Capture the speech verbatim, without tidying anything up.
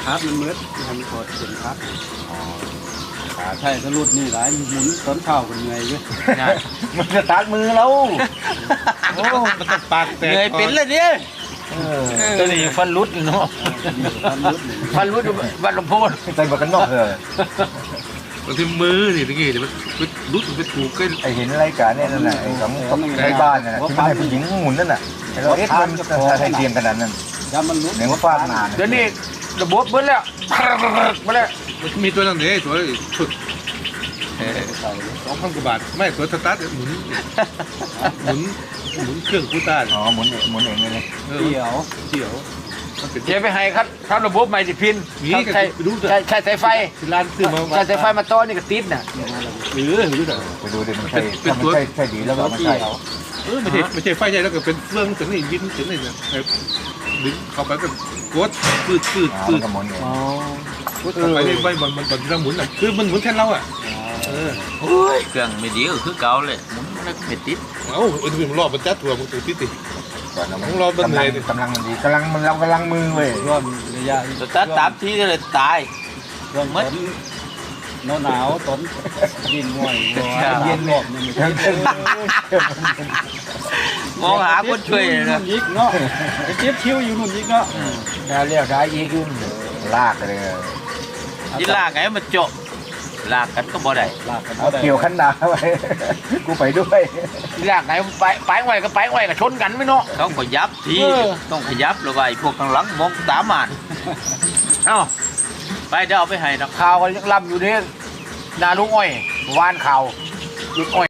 ครับมันมืดทำกดเข็นครับขาใช่ก็รุดนี่หลายหมุนต้นเท้ากันเหนื่อยเยอะมันจะตัดมือเราโอ้มันต้องปากแตกเหนื่อยเป็นเลยเนี่ยตัวนี้ฟันรุดเนาะฟันรู้ดูวัดหลวงพ่อใส่หมวกกันน็อกเลยบางทีมือนี่ตะกี้เดี๋ยวมันรุดมันไปถูกกันไอเห็นรายการเนี่ยนั่นน่ะไอ้ของของในบ้านน่ะที่มันให้ผู้หญิงหมุนนั่นน่ะไอ้เราเอ๊ะมันจะใช้เทียมขนาดนั้นถ้ามันรุดเดี๋ยวมันฟาดนานเดี๋ยวนี้ระบบเบิ้ลแล้วมาแล้วมันมีตัวนั้นเนี่ยตัวชุดสองพันกว่าบาทไม่ตัวสตาร์ทหมุนหมุนหมุนเครื่องกูต้าอ๋อหมุนหมุนเองเลยเออเกี่ยวเกี่ยวมันเป็นเจ๊ไปให้ครับทำระบบใหม่สิพินนี่ก็ใช้ไปดูเถอะใช้ใช้สายไฟที่ร้านซื้อมาใช้สายไฟมาต้อนี่ก็ติดน่ะหรือหรือเถอะไปดูดิมันใช่ถ้ามันใช่ใช่ดีแล้วก็มันใช่เออไม่ใช่ไม่ใช่ไฟใหญ่แล้วก็เป็นเครื่องถึงนี่ยินถึงนี่เนี่ยดึงเข้าไปก็กดปืดปืดอ๋อปืมัดนก็หมุนเองกดเข้าไปเลยใบบอลบอลบอลที่เราหมุนอ่ะคือมันหมุนแทนเราอ่ะเออโอ้ยเครื่องไม่ดีก็คือเก่าเลยหมุนมันไม่ติดเอ้าไอ้ที่มันรอบมันจัดถั่วมันตื่นติดติก่อนนะมันต้องรอเบิ่งกำลังเลยกำลังมันดีกำลังมันเรากำลังมือเว้ยร่วมระยะสตาร์ทตามที่ก็เลยตายร่วมต้นหนาวหนาวต้นยินง่อยเย็นหลบนี่มันมองหาคนช่วยเลยนะยิกเนาะไปเจ็บคิ้วอยู่นู่นยิกเนาะน่าเรียกได้ยีขึ้นลากเลยยิลากไงมันโจะลากกันก็บ่ได้ลากกันเอาเกี่ยวขันดาไว้กูไปด้วยยิลากไงไปไปไว้ก็ไปไว้ก็ชนกันไม่เนาะต้องขยับทีต้องขยับแล้วไอ้พวกข้างหลังมองตามมานเอ้าไปเดี๋ยวเอาไปให้นักข่าวกันยังลำอยู่เนี่ยนาลุงอ้อยวานข่าวลุงอ้อย